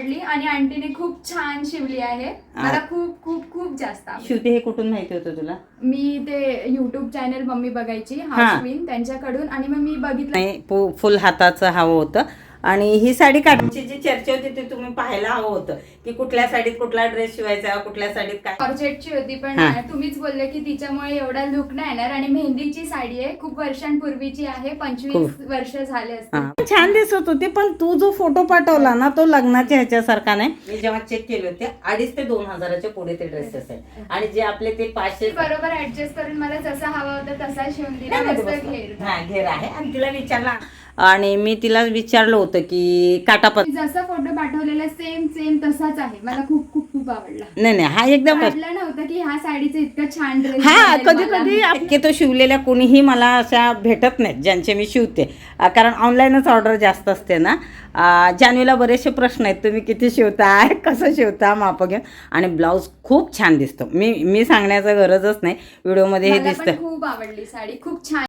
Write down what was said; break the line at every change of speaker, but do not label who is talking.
आवडली आणि आंटीने खूप छान शिवली आहे. मला खूप खूप खूप जास्त आवडली.
शिवते हे कुठून माहिती होतं तुला?
मी ते युट्यूब चॅनल मम्मी बघायची हाऊस क्वीन त्यांच्याकडून आणि मग मी बघितलं
नाही फुल हाताचं हवं होतं. आणि ही साडी काढण्याची जी चर्चा होती ते तुम्ही पाहायला हवं होतं की कुठल्या साडीत कुठला ड्रेस शिवायचा, कुठल्या साडीत काय.
जॉर्जेटची होती पण तुम्हीच बोलले की तिच्यामुळे एवढा लुक नाही येणार. आणि मेहंदीची साडी आहे, खूप वर्षांपूर्वीची आहे, 25 वर्ष झाले असते.
छान दिसत होती. पण तू जो फोटो पाठवला ना तो लग्नाच्या ह्याच्यासारखा नाही. मी जेव्हा चेक केले होते 2,500 ते 2,000च्या पुढे ते ड्रेसेस आहेत आणि जे आपले ते 500
बरोबर ऍडजस्ट करून मला जसा हवा होता तसा शिवून दिला. मस्त घेर
घेर आहे. आणि तिला विचारला आणि मी तिला विचारलं होतं की काटापत
जसा फोटो पाठवलेला सेम सेम तसाच आहे. मला खूप खूप खूप आवडला.
नाही नाही हा एकदम
वाटलं नव्हतं की ह्या साडीचं इतकं छान ड्रेस.
हा कधी कधी तो शिवलेल्या कोणीही मला अशा भेटत नाहीत ज्यांचे मी शिवते. कारण ऑनलाईनच ऑर्डर जास्त असते ना. जान्हवीला बरेचसे प्रश्न आहेत, तुम्ही किती शिवताय, कसं शिवता, माप घेऊन. आणि ब्लाऊज खूप छान दिसतो. मी सांगण्याचं गरजच नाही, व्हिडिओमध्ये हे दिसतं.
खूप आवडली साडी, खूप छान.